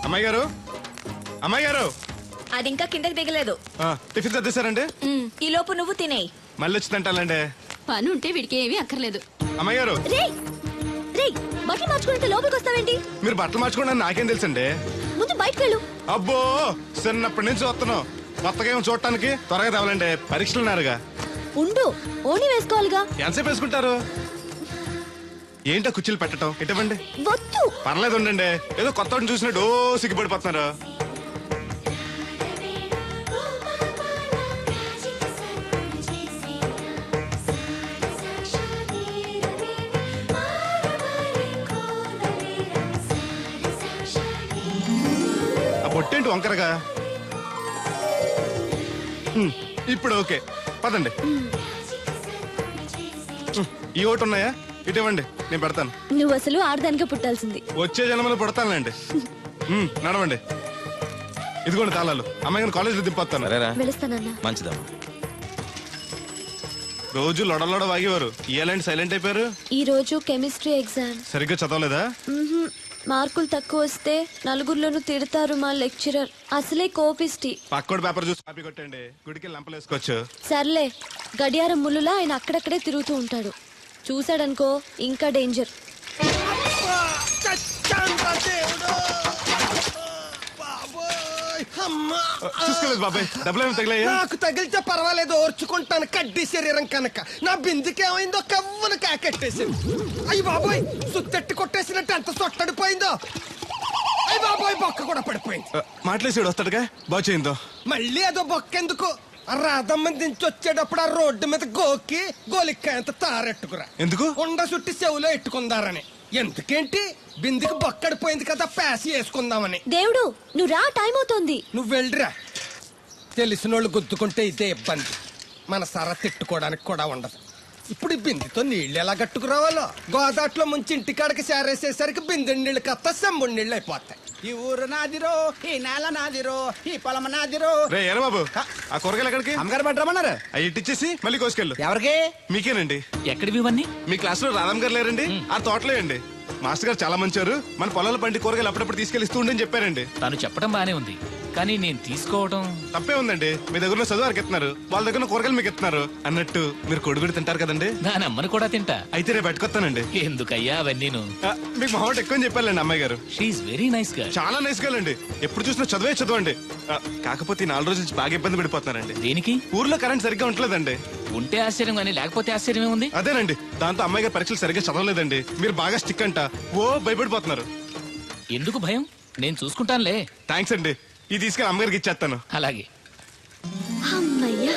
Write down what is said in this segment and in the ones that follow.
అమ్మాయి గారు, అమ్మాయి గారు, అది ఇంకా కిందకి దిగలేదు. టిఫిన్ సర్దేశారండి? ఈ లోపు నువ్వు తినేయి. మళ్ళీ వచ్చి తింటాలండి. పని ఉంటే వీడికి ఏమీ అక్కర్లేదు. అమ్మాయి గారు, బట్టలు మార్చుకుంటే లోపలికి వస్తావేంటి? మీరు బట్టలు మార్చుకోండి నాకేం తెలుసండి. ముందు బయటకు వెళ్ళు. అబ్బో, చిన్నప్పటి నుంచి వస్తున్నావు. కొత్తగా ఏమో చూడటానికి త్వరగా తేవాలండి. పరీక్షలు ఉన్నారుగా. ఉండు, ఓణి వేసుకోవాలిగా. ఎంతసేపు వేసుకుంటారు? ఏంటో కుర్చీలు పెట్టడం ఇటువంటి. వద్దు. పర్లేదు ఉండండి. ఏదో కొత్త చూసినట్టు సిగ్గుపడిపోతున్నారు. ఆ బొట్టేంటి వంకరగా? ఇప్పుడు ఓకే, పదండి. ఈ ఒకటి ఉన్నాయా? ఇటువంటి నేను పెడతాను. నువ్వు అసలు ఆడదానిగా పుట్టాల్సింది. వచ్చే జన్మలో పుడతానులేండి. నడవండి. ఇదిగోండి తాళాలు. అమ్మాయి కాలేజీలో దింపొస్తాను. మంచిదమ్మా. రోజు లొడలోడ వాగేవారు, ఇయ్యాలంటే సైలెంట్ అయిపోయారు. ఈ రోజు కెమిస్ట్రీ ఎగ్జామ్. సరిగ్గా చదవలేదా? మార్కులు తక్కువ వస్తే నలుగురిలోనూ తిడతారు మా లెక్చరర్. అసలే కోపిస్టి. పక్కోడి పేపర్ చూసి కాపీ కొట్టండి, గుడికి లంపలేసుకోవచ్చు. సర్లే, గడియారం ముళ్ళులా ఆయన అక్కడక్కడే తిరుగుతూ ఉంటాడు. చూశాడనుకో ఇంకా డేంజర్. చూసుకోలేదు బాబాయ్, డబ్బులు తగిలాయా? నాకు తగిలితే పర్వాలేదు, ఓర్చుకుంటాను. కడ్డీ శరీరం కనుక నా బిందుకేమైందో కవ్వను కాకెట్టేసింది. అయ్యి బాబోయ్, సుత్తెట్టి కొట్టేసినట్టు ఎంత సొట్టడిపోయిందో. అయ్యి బాబోయ్, బొక్క కూడా పడిపోయింది. మాట్లాడేసాడు వస్తాడుగా, బాగు చేయిందో. మళ్ళీ అదో బొక్క ఎందుకు? రాధమ్మ దించి వచ్చేటప్పుడు ఆ రోడ్డు మీద గోకి గోలిక్కాయంత తారెట్టుకురా. ఎందుకు? ఉండ చుట్టి చెవులో ఎట్టుకుందారని. ఎందుకేంటి? బిందుకి బొక్కడిపోయింది కదా, ప్యాసి వేసుకుందామని. దేవుడు, నువ్వు రా, టైం అవుతోంది. నువ్వు వెళ్ళిరా. తెలిసినోళ్ళు గుద్దుకుంటే ఇదే ఇబ్బంది. మన సర తిట్టుకోవడానికి కూడా ఉండదు. ఇప్పుడు ఈ బిందెతో నీళ్ళు ఎలా కట్టుకురావాలో. గోదాట్లో ముంచి ఇంటికాడకి సేరేసేసరికి బిందె నీళ్ళు కత్త సెంబుడి నీళ్ళు అయిపోతాయి. ఈ ఊరు నాదిరో, ఈ నేల నాదిరో, ఈ పొలం నాదిరో. రే ఏరా బాబు, ఆ కూరగాయలు ఎక్కడికి? అమ్మగారు పట్టరమన్నారు. అవి ఇట్టిచ్చేసి మళ్ళీ కోసుకెళ్ళు. ఎవరికి? మీకేనండి. ఎక్కడివి ఇవన్నీ? మీ క్లాస్ లో రాధమ్ గారు లేరండి? ఆ తోటలే అండి. మాస్టర్ గారు చాలా మంచివారు. మన పొలాల పండి కూరగాయలు అప్పుడప్పుడు తీసుకెళ్లిస్తూ ఉండని చెప్పారండి. తను చెప్పడం బానే ఉంది, కానీ నేను తీసుకోవడం తప్పే ఉందండి. మీ దగ్గర చదువు వారికి ఇస్తున్నారు, వాళ్ళ దగ్గర కూరగాయలు మీకు ఇస్తున్నారు. అన్నట్టు మీరు కొడుగుడి తింటారు కదండి. దాని అమ్మని కూడా తింటా. అయితే రేపు పెట్టుకొస్తానండి. ఎందుకయ్యా అవన్నీ? మీకు మొహం ఎక్కువ చెప్పాలండి అమ్మాయి గారు. షీఈ్ వెరీ నైస్ గా. చాలా నైస్ గా అండి. ఎప్పుడు చూసినా చదువే చదవండి. కాకపోతే 4 రోజుల నుంచి బాగా ఇబ్బంది పడిపోతున్నారండి. దేనికి? ఊర్లో కరెంట్ సరిగ్గా ఉండలేదండి. ఉంటే ఆశ్చర్యం కానీ లేకపోతే ఆశ్చర్యమే ఉంది. అదేనండి, దాంతో అమ్మాయి గారు పరీక్షలు సరిగ్గా చదవలేదండి. మీరు బాగా స్టిక్ అంట, ఓ భయపడిపోతున్నారు. ఎందుకు భయం? నేను చూసుకుంటానులే. థ్యాంక్స్ అండి. ఇది తీసుకెళ్ళి అమ్మగారికి ఇచ్చేస్తాను. అలాగే. అమ్మయ్యా.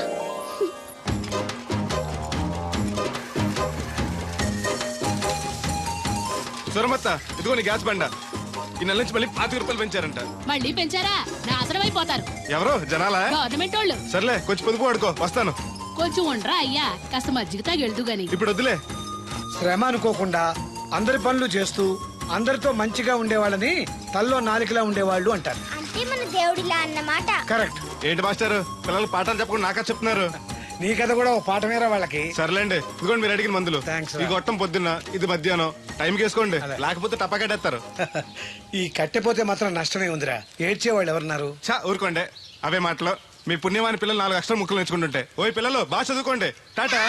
సురమత్త, ఇదిగో నీ గ్యాస్ బండ. ఈ నెల నుంచి మళ్ళీ 25 రూపాయలు పెంచారంట. మళ్ళీ పెంచారా? నాశనం అయిపోతారు. ఎవరో జనాలా? గవర్నమెంట్ వాళ్ళు. సర్లే, కొంచెం పొదుపు వాడుకో, వస్తాను. కొంచెం ఉండరా అయ్యా, కాస్త మజ్జిగ తాగెళ్దు గాని. ఇప్పుడు వద్దులే. శ్రమ అనుకోకుండా అందరి పనులు చేస్తూ అందరితో మంచిగా ఉండేవాళ్ళని తల్లో నాలికలా ఉండేవాళ్ళు అంటారు. అంటే మన దేవుడిలా అన్నమాట. కరెక్ట్. ఏంటి మాస్టర్, పిల్లలు పాఠాలు చెప్పకుండా నాకా చెప్తున్నారు? నీ కథ కూడా ఓ పాఠమేరా వాళ్ళకి. సర్లేండి, ఇదిగోండి మీరు అడిగిన మందులు. థాంక్స్ రా. ఈ గొట్టం పొద్దున్న, ఇది మధ్యాహ్నం. టైంకి వేసుకోండి, లేకపోతే టపాకట్టేస్తారు. ఈ కట్టెపోతే మాత్రం నష్టమే ఉందిరా. ఏడ్చేవాళ్ళు ఎవరున్నారు? చా ఊరుకోండి, అవే మాటలు. మీ పుణ్యమాని పిల్లలు 4 అక్షరం ముక్కలు నేర్చుకుంటుంటే. ఓయ్ పిల్లలు, బాగా చదువుకోండి. టాటా.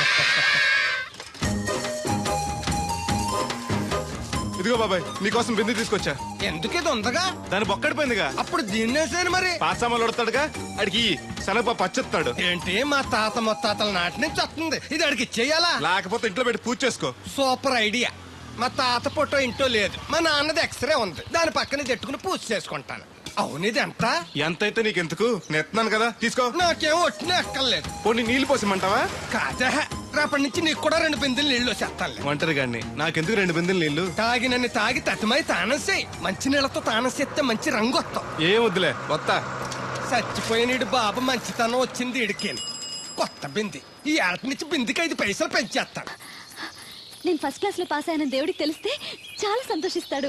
ఇదిగో బాబాయ్, నీకోసం బిందు తీసుకొచ్చా. ఎందుకేదో ఉందగా? దాని బొక్కడిపోయిందిగా. అప్పుడు దీన్నేసాను మరి. పాసామాలు ఉడతాడుగా, అడిగి శనగపప్పు పచ్చెత్తాడు. ఏంటి, మా తాత ముత్తాతల నాటి నుంచి వస్తుంది. ఇది అడిగి ఇచ్చేయాలా? లేకపోతే ఇంట్లో పెట్టి పూజ చేసుకో. Super idea. మా తాత ఫోటో ఇంట్లో లేదు, మా నాన్నది ఎక్స్రే ఉంది. దాని పక్కన చెట్టుకుని పూజ చేసుకుంటాను. అవును, ఇది ఎంత? ఎంతైతే నీకెందుకు, నెత్తున్నాను కదా, తీసుకో. నాకేం ఒట్టినే ఎక్కర్లేదు. పోనీ నీళ్లు పోసిమంటావా? కాదా, రేపటి నుంచి నీకు కూడా 2 బిందెలు నీళ్లు వచ్చేస్తాను. ఒంటరి గాడిని, నాకెందుకు 2 బిందెలు నీళ్లు? తాగినన్ని తాగి తతిమై తానం చేయి. మంచి నీళ్లతో తానం చేస్తే మంచి రంగు వస్తాం. ఏం వద్దులే, వస్తా. చచ్చిపోయిన బాబు మంచితనం వచ్చింది ఇడికేను. కొత్త బింది. ఈ ఏట నుంచి బిందికి 5 పైసలు పెంచేస్తాను. నేను ఫస్ట్ క్లాస్ లో పాస్ అయిన దేవుడికి తెలిస్తే చాలా సంతోషిస్తాడు.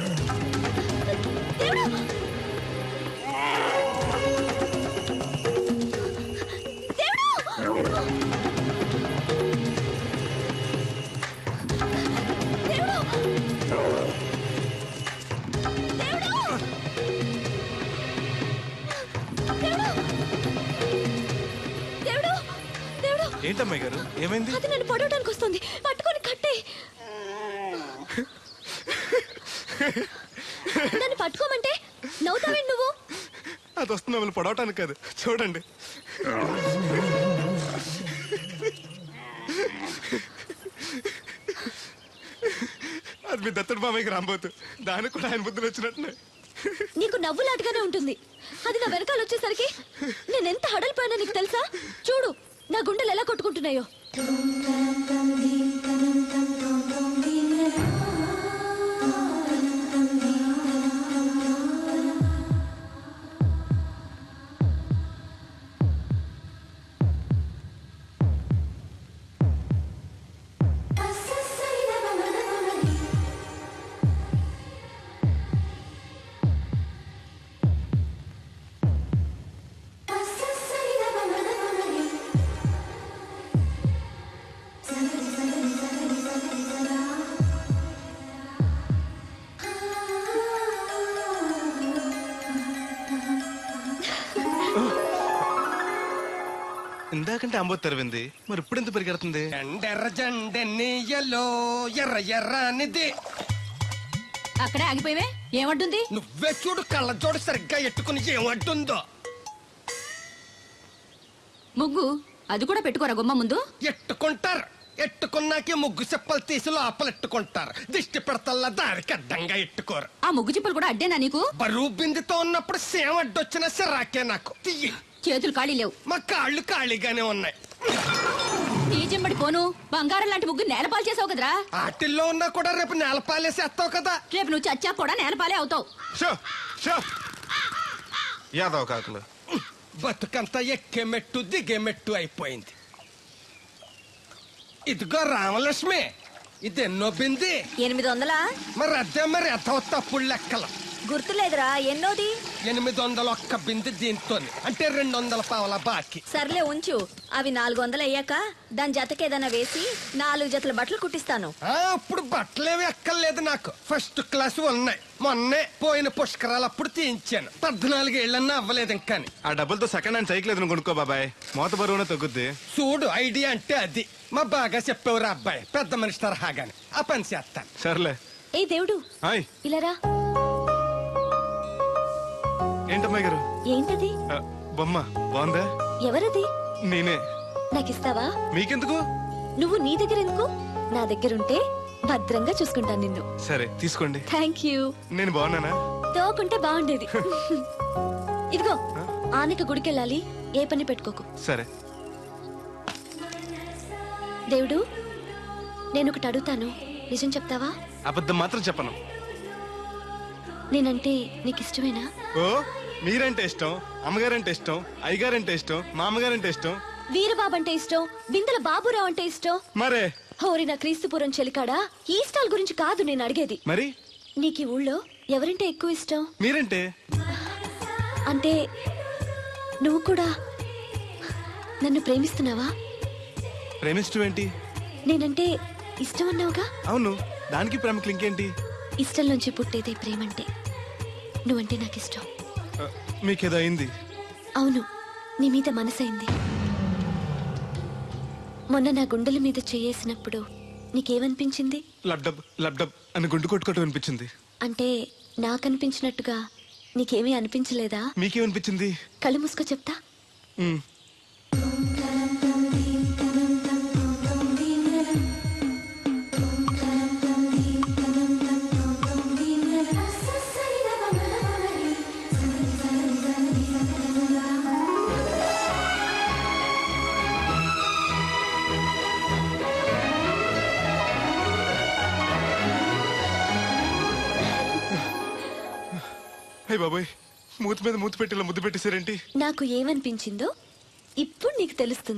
దేవుడు! దేవుడు! ఏంటమ్మాయి గారు ఏమైంది? అది నన్ను పడవడానికి వస్తుంది, పట్టుకొని కట్టే. నన్ను పట్టుకోమంటే నవ్వుతావేంటి నువ్వు? అది వస్తుంది మిమ్మల్ని పొడవటానికి కాదు, చూడండి. అది మీ దత్తడు మామయ్యకి రాబోతు, దానికి కూడా ఆయన బుద్ధులు వచ్చినట్టు. నీకు నవ్వులాటగానే ఉంటుంది. అది నా వెనకాల వచ్చేసరికి నేను ఎంత హడలిపోయానో నీకు తెలుసా? చూడు నా గుండెలు ఎలా కొట్టుకుంటున్నాయో. ఇందాకంటే అంబోతు తెరవింది, మరి ఇప్పుడు ఎంత పరిగెడుతుంది? ఎండెర్ర జెండెన్నీయలో ఎర్ర ఎర్రనిది. అక్కడే ఆగిపోయావే, ఏమంటుంది? నువ్వే చూడు, కళ్ళజోడు సరిగ్గా ఎట్టుకుని ఏమంటుందో. ముగ్గు అది కూడా పెట్టుకోరా గుమ్మ ముందు. ఎట్టుకుంటారు, ఎట్టుకున్నాకే ముగ్గు చెప్పలు తీసి లోపలెట్టుకుంటారు. దిష్టి పెడతల్లా దారికి అడ్డంగా ఎట్టుకోరు. ఆ ముగ్గు చిప్పలు కూడా అడ్డేనా నీకు? బరువు బిందుతో ఉన్నప్పుడు సేమ అడ్డొచ్చిన సిరాకే నాకు. తీయి. చేతులు ఖాళీ లేవు, మా కాళ్ళు ఖాళీగానే ఉన్నాయి. నీ చెంబడి పోను బంగారం లాంటి ముగ్గు నేలపాలు చేసావు కదరా. ఆటిల్లో ఉన్నా కూడా రేపు నేలపాలేసేస్తావు కదా. రేపు నువ్వు చచ్చా కూడా నేలపాలే అవుతావు. షో షో యాదవ్ కాకులు. బతుకంతా ఎక్కే మెట్టు దిగే మెట్టు అయిపోయింది. ఇదిగో రామలక్ష్మి, ఇది ఎన్నో బింది? 800. మరి అదే మరి ఎథవ తప్పుడు లెక్కలు. గుర్తులేదురా ఎన్నోది? 801 బింది దీంతో, అంటే 200 పావల బాకీ. సర్లే ఉంచు, అవి 400 అయ్యాక దాని జతకేదైనా వేసి 4 జతల బట్టలు కుట్టిస్తాను. అప్పుడు బట్టలేవి ఎక్కర్లేదు నాకు, ఫస్ట్ క్లాస్ ఉన్నాయి. మొన్నే పోయిన పుష్కరాలు అప్పుడు తీయించాను. 14 ఏళ్ళన్నా అవ్వలేదు ఇంకా. ఆ డబ్బులతో సెకండ్ హ్యాండ్ సైకిల్ ఏదైనా కొనుక్కో బాబాయ్, మోత బరువునే తగ్గుద్ది. చూడు, ఐడియా అంటే అది. మా బాగా చెప్పేవారు అబ్బాయి, పెద్ద మనిషి తరహాగాని. ఆ పని చేస్తాను. సర్లే. ఏ దేవుడు, హాయ్. ఇలారా. ఏంటమ్మాయి గారు? ఏంటది? బొమ్మ బాగుందా? ఎవరది? నేనే. నాకిస్తావా? మీకెందుకు? నువ్వు నీ దగ్గర ఎందుకు? నా దగ్గరుంటే భద్రంగా చూసుకుంటాను నిన్ను. సరే తీసుకోండి. Thank you. నేను బాగున్నానా? తోకుంటే బాగుండేది. ఇదిగో, ఆనక గుడికెళ్ళాలి, ఏ పని పెట్టుకోకు. సరే. దేవుడు, నేను ఒకటి అడుగుతాను, నిజం చెప్తావా? అబద్ధం మాత్రం చెప్పను. నేనంటే నీకు ఇష్టమేనా? ఓ, మీరంటే ఇష్టం, అమ్మగారంటే ఇష్టం, అయ్యగారంటే ఇష్టం, మా అమ్మగారంటే ఇష్టం, వీరబాబు అంటే ఇష్టం, బిందెల బాబురావు అంటే ఇష్టం. మరే హోరి నా క్రీస్తుపురం చెలికాడా, ఈ స్టాల్ గురించి కాదు నేను అడిగేది. మరి నీకు ఈ ఊళ్ళో ఎవరంటే ఎక్కువ ఇష్టం? మీరంటే. అంటే నువ్వు కూడా నన్ను ప్రేమిస్తున్నావా? ప్రేమిష్టం ఏంటి? నేనంటే ఇష్టం అన్నావుగా. అవును, దానికి ప్రేమకి ఇంకేంటి? ఇష్టం నుంచి పుట్టేదే ప్రేమంటే. నువ్వంటే నాకు ఇష్టం. మీకేదో అయింది? అవును, నీ మీద మనసైంది. మొన్న నా గుండెల మీద చేయేసినప్పుడు నీకేమనిపించింది? లబ్డబ్ లబ్డబ్ అని గుండు కొట్టుకోవటం అనిపించింది. అంటే నాకనిపించినట్టుగా నీకేమీ అనిపించలేదా? మీకేమనిపించింది? కళ్ళు మూసుకో చెప్తా. మ్. హే బాబాయ్, మూతి మీద మూతి పెట్టేలా ముద్దు పెట్టేశారేంటి? నాకు ఏమనిపించిందో ఇప్పుడు నీకు తెలుస్తుంది.